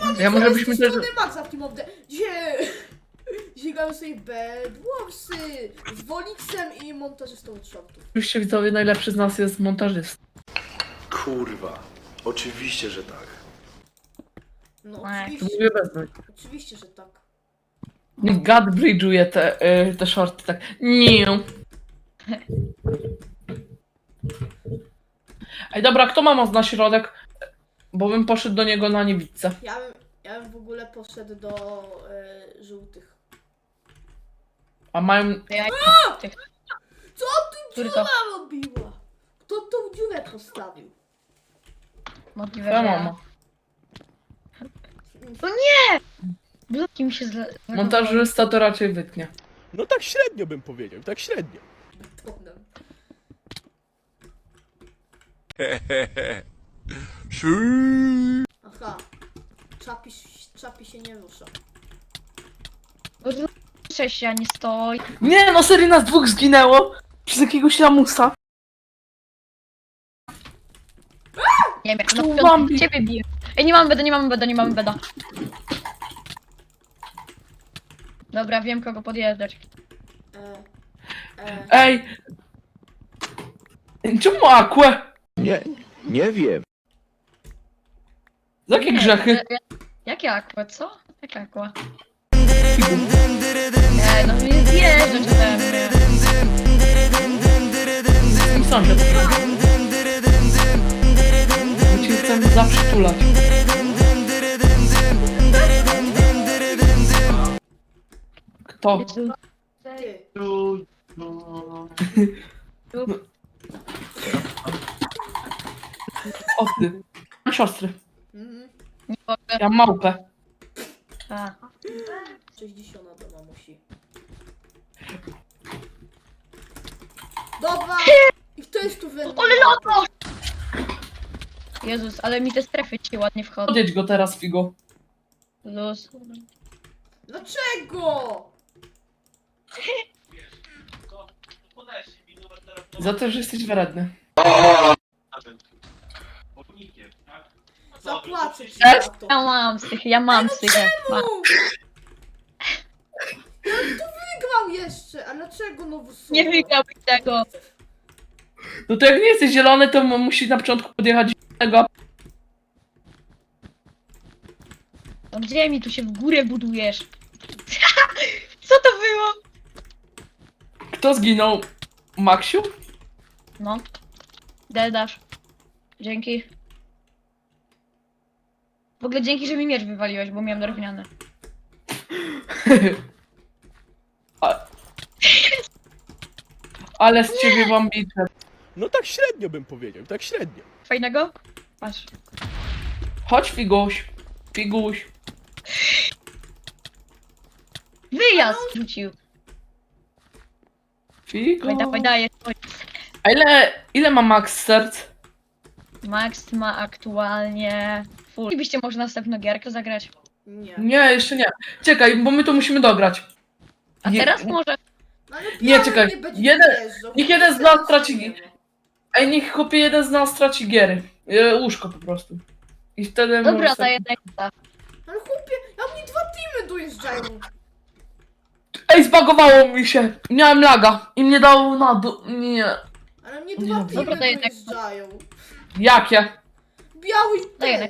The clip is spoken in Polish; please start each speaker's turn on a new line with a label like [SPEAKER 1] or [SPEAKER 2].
[SPEAKER 1] Ja może byśmy też...
[SPEAKER 2] Maxa w tym obde... Dzisiaj grałem sobie Bedwarsy z Wolixem i montażystą od shortów.
[SPEAKER 1] Oczywiście widzowie, najlepszy z nas jest montażysta.
[SPEAKER 3] Kurwa, oczywiście, że tak.
[SPEAKER 2] No
[SPEAKER 1] To
[SPEAKER 2] oczywiście,
[SPEAKER 1] mówię bez mnie.
[SPEAKER 2] oczywiście, że tak.
[SPEAKER 1] Niech gad bridge'uje te shorty tak. Nie. Ej, dobra, kto ma moc na środek? Bo bym poszedł do niego na niewidce.
[SPEAKER 2] Ja bym w ogóle poszedł do żółtych.
[SPEAKER 1] A mają...
[SPEAKER 2] Co ty
[SPEAKER 4] Który
[SPEAKER 2] dziura
[SPEAKER 4] to?
[SPEAKER 2] robiła? Kto tą dziurę postawił?
[SPEAKER 4] Możliwe,
[SPEAKER 1] Twoja
[SPEAKER 4] że ja.
[SPEAKER 1] mama.
[SPEAKER 4] Bloki mi się
[SPEAKER 1] Montażysta to raczej wytnie.
[SPEAKER 5] No tak średnio bym powiedział, tak średnio.
[SPEAKER 2] Potem. Aha. Czapi się nie rusza.
[SPEAKER 4] Cześć, ja nie stoi.
[SPEAKER 1] Nie, no serii nas dwóch zginęło. Przez jakiegoś lamusa.
[SPEAKER 4] Nie wiem,
[SPEAKER 1] Tu
[SPEAKER 4] no
[SPEAKER 1] Bambi.
[SPEAKER 4] ciebie biję. Ej, nie mamy beda, nie mamy beda, nie mamy beda. Dobra, wiem kogo podjeżdżać.
[SPEAKER 1] Ej! Czemu Aquę?
[SPEAKER 3] Nie wiem.
[SPEAKER 1] Za jakie grzechy?
[SPEAKER 4] Jakie aqua, co? Jakie aqua? Ej, no nie zjeżdżać ode mnie.
[SPEAKER 1] Sąsiad. My cię chcemy zaprzytulać. Kto?
[SPEAKER 4] Jezu.
[SPEAKER 2] Ty.
[SPEAKER 1] O ty. Mam siostry.
[SPEAKER 2] Mhm.
[SPEAKER 4] Nie mogę.
[SPEAKER 1] Ja mam małpę.
[SPEAKER 4] A.
[SPEAKER 2] 60 do mamusi. Dobra! I kto jest tu winny?
[SPEAKER 4] Ole loto! Jezus, ale mi te strefy ci ładnie wchodzą.
[SPEAKER 1] Podjedź go teraz, Figo.
[SPEAKER 4] Luz.
[SPEAKER 2] Dlaczego?
[SPEAKER 1] Za to, że jesteś wredny.
[SPEAKER 2] Zapłacę ci
[SPEAKER 1] Cześć.
[SPEAKER 2] za to.
[SPEAKER 4] Ja mam z tych. Mam.
[SPEAKER 2] Wygrał jeszcze, a dlaczego nowy solo?
[SPEAKER 4] Nie wygrałbyś tego.
[SPEAKER 1] No to jak nie jesteś zielony, to musi na początku podjechać tego.
[SPEAKER 4] No gdzie mi tu się w górę budujesz? Co to było?
[SPEAKER 1] Kto zginął? Maksiu?
[SPEAKER 4] No. Dedasz. Dzięki. W ogóle dzięki, że mi miecz wywaliłeś, bo miałem drewniany.
[SPEAKER 1] Ale z ciebie bambicze.
[SPEAKER 5] No tak średnio bym powiedział, tak średnio.
[SPEAKER 4] Fajnego? Patrz.
[SPEAKER 1] Chodź, Figuś. Figuś.
[SPEAKER 4] Wyjazd rzucił.
[SPEAKER 1] Figo.
[SPEAKER 4] Dawaj, daję.
[SPEAKER 1] A ile ma Max serc?
[SPEAKER 4] Max ma aktualnie full. Chcielibyście może następną gierkę zagrać?
[SPEAKER 2] Nie.
[SPEAKER 1] Nie, jeszcze nie. Czekaj, bo my to musimy dograć.
[SPEAKER 4] A teraz może?
[SPEAKER 2] No, ale
[SPEAKER 1] Nie,
[SPEAKER 2] biały
[SPEAKER 1] czekaj.
[SPEAKER 2] nie będzie
[SPEAKER 1] Jeden-
[SPEAKER 2] wjeżdżał,
[SPEAKER 1] niech
[SPEAKER 2] bo
[SPEAKER 1] jeden z
[SPEAKER 2] wtedy
[SPEAKER 1] nas traci-
[SPEAKER 2] nie ma.
[SPEAKER 1] Ej, niech chłopie jeden z nas traci giery. Łóżko po prostu. I wtedy
[SPEAKER 4] Dobra,
[SPEAKER 1] może
[SPEAKER 4] daję
[SPEAKER 1] sobie...
[SPEAKER 4] tak.
[SPEAKER 2] Ale chłopie, a mnie 2 teamy dojeżdżają.
[SPEAKER 1] Ej, zbagowało mi się. Miałem laga. I mnie dało na dół. Nie.
[SPEAKER 2] Ale mnie
[SPEAKER 1] Nie,
[SPEAKER 2] 2
[SPEAKER 1] dobra,
[SPEAKER 2] teamy
[SPEAKER 4] daję tak.
[SPEAKER 2] dojeżdżają.
[SPEAKER 1] Jakie?
[SPEAKER 2] Biały i
[SPEAKER 4] Daję
[SPEAKER 2] ten.